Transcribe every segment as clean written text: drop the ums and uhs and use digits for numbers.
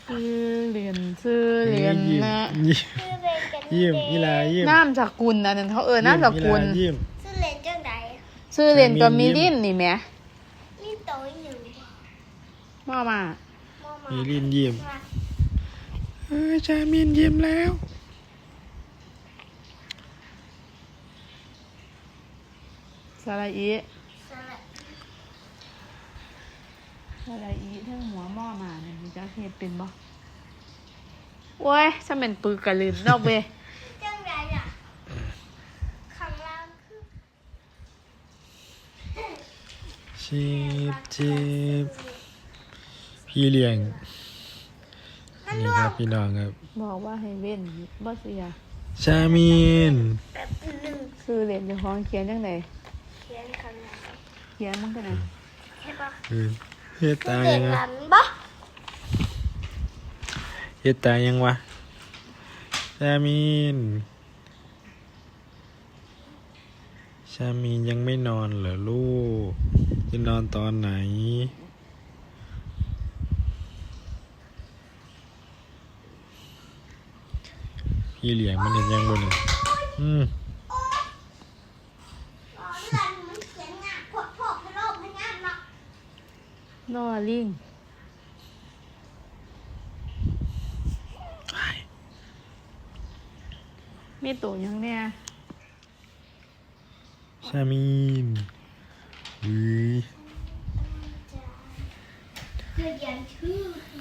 ชื่อเรียนชื่อเรียนนะชื่อเล่นกันยิ้มอีหลายิ้มน้ำจากกุลอันนั้นเขาน้ำจากกุลยิ้มชื่อเล่นจังไดชื่อเรียนก็มีลิ้นนี่แหมนี่โตหนึ่งมามามีลินยิ้มจามินยิ้มแล้วสระอีสระสระอีทั้งหัวหม้อมาเนี่ยมีเจ้าเฮ็ดเป็นบ่โอ้ยฉันเป็นปึกกะลืนนอกเว้ยจังไดอ่ะข้างล่างคือจีบพี่เลี้ยงนี่ครับพี่น้องครับบอกว่าให้เว้นบ่เสียจามินแบบหนึ่งชื่อเรียนเจ้าของเขียนจังไดเขียนข้างหลังเขียนมันก็น่ะใช่ปะเฮ็ดตาเด็ยักงหวะลันปะเฮ็ดตายังวะจามินยังไม่นอนเหรอลูกจะนอนตอนไหนพี่เลี้ยงมันเห็นยังบ่เนี่ยอ๋อหลันมันเขียนงานพดพกให้โลกให้งานเนาะนอลิงมีตัวหยังเนี่ยชามินอุ้ยเขียนชื่อ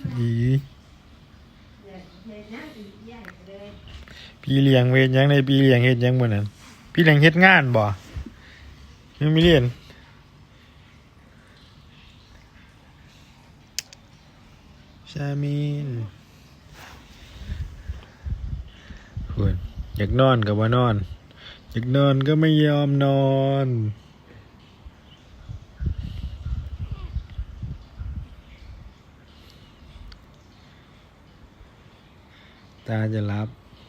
พี่เลี้ยงเวทยังในพี่เลี้ยงเฮ็ดยังบ่นั่นพี่เลี้ยงเฮ็ดงานบ่ยังไม่เรียนชามินคุณอยากนอนก็บ่นอนอยากนอนก็ไม่ยอมนอนตาจะรับ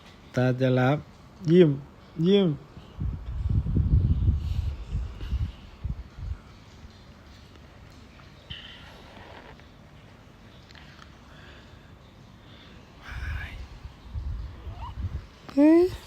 ยิ้มเฮ้ย